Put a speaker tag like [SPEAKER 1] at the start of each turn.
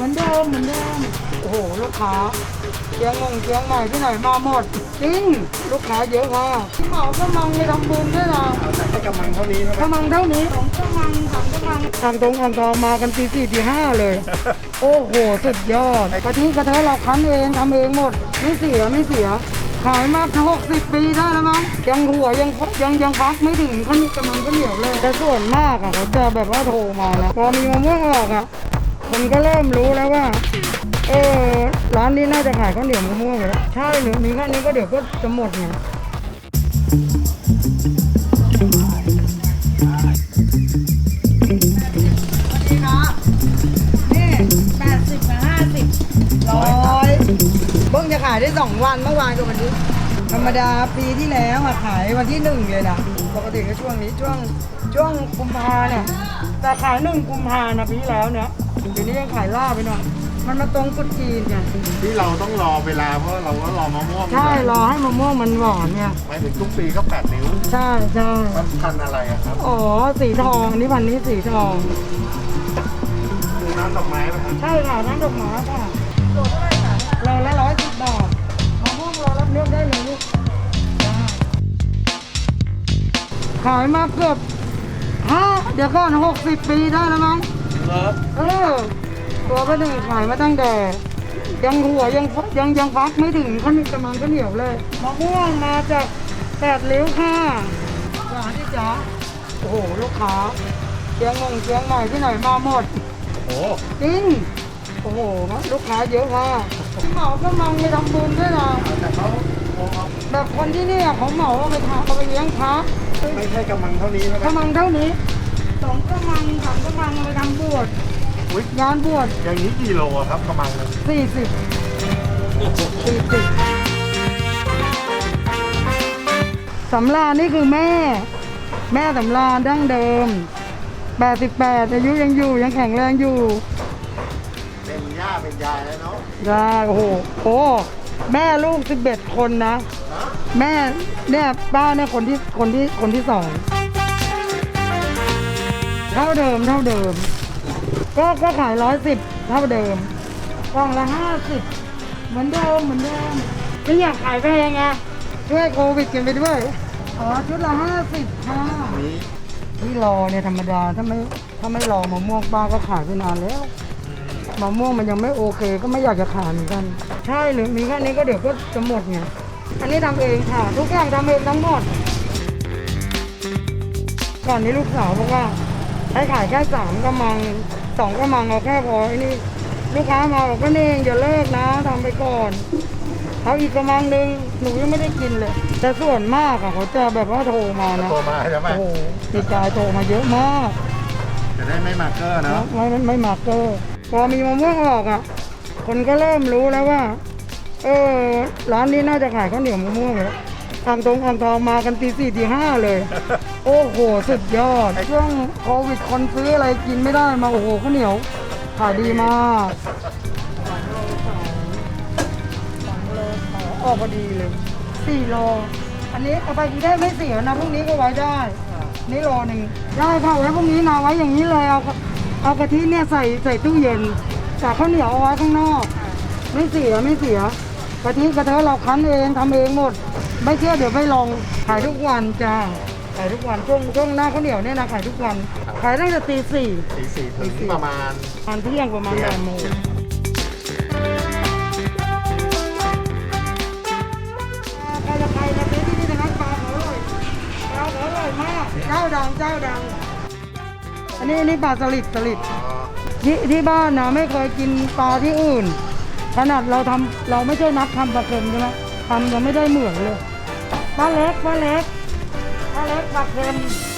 [SPEAKER 1] มือนเดิมโอ้โหลูกค้าเชียงใหม่ที่ไหนมาหมดจริงลูกค้าเยอะมากที่เหมากำลังไปทำบุญด้วยนะ
[SPEAKER 2] ให้กำลังเท่านี้ใช่ไหม
[SPEAKER 1] กำลังเท่านี้2กำลัง3กำลังทางตรงอ่างทองมากันตี4ตี5เลย โอ้โหสุดยอดกะทิกระเทยเราคั้นเองทำเองหมดไม่เสียขายมา60 ปีได้แล้วมั้งยังหัวยังพักไม่ถึงขั้นกำลังก็เหนียวเลยแต่ส่วนมากอ่ะเขาจะแบบว่าโทรมานะพอมีมะม่วงออกอ่ะคนก็เริ่มรู้แล้วว่าร้านนี้น่าจะขายข้าวเหนียวมะม่วงเลยใช่หรือมีแค่นี้ก็เดี๋ยวก็จะหมดไงเพิ่งจะขายได้2 วันเมื่อวานกับวันนี้ธรรมดาปีที่แล้วอะขายวันที่1เลยนะปกติก็ช่วงนี้ช่วงกุมภาเนี่ยแต่ขาย1 กุมภานะปีที่แล้วเนี่ยเดี๋ยวนี้ยังขายล่าไปหน่อยมันมาตรงกุดจีนไง
[SPEAKER 2] ที่เราต้องรอเวลาเพราะเราก็รอมะม่วง
[SPEAKER 1] ใช่รอให้มะม่วงมันหวานเนี่ย
[SPEAKER 2] หมายถึงทุกปีก็8 นิ้ว
[SPEAKER 1] ใช่
[SPEAKER 2] มันพันอะไรอะครับ
[SPEAKER 1] อ๋อสีทองนี่พันนี้สีทอง
[SPEAKER 2] คือน้ำดอกไม้ไหมครับ
[SPEAKER 1] ใช่ค่ะน้ำดอกไม้ค่ะโลเท่าไหร่คะโลละ110 บาทมะม่วงโลรับเลือกได้เลยลูกขายมาเกือบเดี๋ยวก่อน60 ปีได้แล้วมั้งตัวก็หนึ่งขายมาตั้งแต่ยังหัวยังฟักไม่ถึงขั้นกำลังก็เหนียวเลยมะม่วงมาจาก8 ริ้วค่ะร้านที่จ๋าโอ้โหลูกค้าเชียงใหม่ที่ไหนมาหมด
[SPEAKER 2] โอ้
[SPEAKER 1] จริงโอ้โหลูกค้าเยอะมากเหมากำลังไปทำบุญด้วยนะ
[SPEAKER 2] แต่เขา
[SPEAKER 1] แบบคนที่นี่เขาเหมาเอาไปเลี้ยงพระ
[SPEAKER 2] ไม่ใช่กำลังเท่านี้ใช่ไหม
[SPEAKER 1] กำลังเท่านี้2 กำลัง3 กำลังเอาไปทำบวชงานบวช
[SPEAKER 2] อย่างนี้กี่โลครับกำลังนึง
[SPEAKER 1] 40สำราญนี่คือแม่สำราญดั้งเดิม88อายุยังอยู่ยังแข็งแรงอยู่
[SPEAKER 2] เป็นย่าเป็นยายแล้วเนาะ
[SPEAKER 1] โอ้โหแม่ลูก11 คนนะแม่เนี่ยป้าเนี่ยคนที่2เท่าเดิมก็ขาย110เท่าเดิมกล่องละ50เหมือนเดิมไม่อยากขายแพงไงช่วยโควิดกันไปด้วยชุดละ50ค่ะที่รอเนี่ยธรรมดาถ้าไม่รอมะม่วงป้าก็ขายไปนานแล้วมะม่วงมันยังไม่โอเคก็ไม่อยากจะขายเหมือนกันใช่หรือมีแค่นี้ก็เดี๋ยวก็จะหมดไงอันนี้ทำเองค่ะทุกอย่างทำเองทั้งหมดก่อนนี้ลูกสาวบอกว่าให้ขายแค่3 กำลัง2 กำลังเอาแค่พอไอ้นี่ลูกค้ามาบอกก็เองอย่าเลิกนะทำไปก่อนเขาอีกกำลังนึงหนูยังไม่ได้กินเลยแต่ส่วนมากอะเขาจะแบบว่าโทรมานะ
[SPEAKER 2] โทรมาใช่ไหม
[SPEAKER 1] โอ้โหติดใจโทรมาเยอะมาก
[SPEAKER 2] จะได้ไม่มาเกอร์เนาะ
[SPEAKER 1] ไม่มาเกอร์พอมีมะม่วงออกอะคนก็เริ่มรู้แล้วว่าร้านนี้น่าจะขายข้าวเหนียวมะม่วงเลยอ่างทองมากันตี4ตี5เลย โอ้โหสุดยอดช่วงโควิดคนซื้ออะไรกินไม่ได้มาโอ้โหข้าวเหนียวขายดีมากออกพอดีเลย4 โลอันนี้เอาไปกินได้ไม่เสียนะพรุ่งนี้ก็ไว้ได้นี่โลนึงได้ค่ะไว้พรุ่งนี้นะไว้อย่างนี้เลยเอากะทิเนี่ยใส่ตู้เย็นจากข้าวเหนียวเอาไว้ข้างนอกไม่เสียกะทิกระเทยเราคั้นเองทำเองหมดไม่เชื่อเดี๋ยวไปลองขายทุกวันจ้าขายทุกวันช่วงหน้าข้าวเหนียวเนี่ยนะขายทุกวันขายตั้งแต่ตี 4
[SPEAKER 2] ถึงประมาณ
[SPEAKER 1] เที่ยงประมาณ8 โมงใครนะที่นี่นะครับปลาเขาอร่อยมากเจ้าดังอันนี้ปลาสลิดที่บ้านนะไม่เคยกินปลาที่อื่นขนาดเราไม่ใช่นักทำปลาเค็มใช่ไหมทำยังไม่ได้เหมือนเลยปลาเล็กปลาเค็ม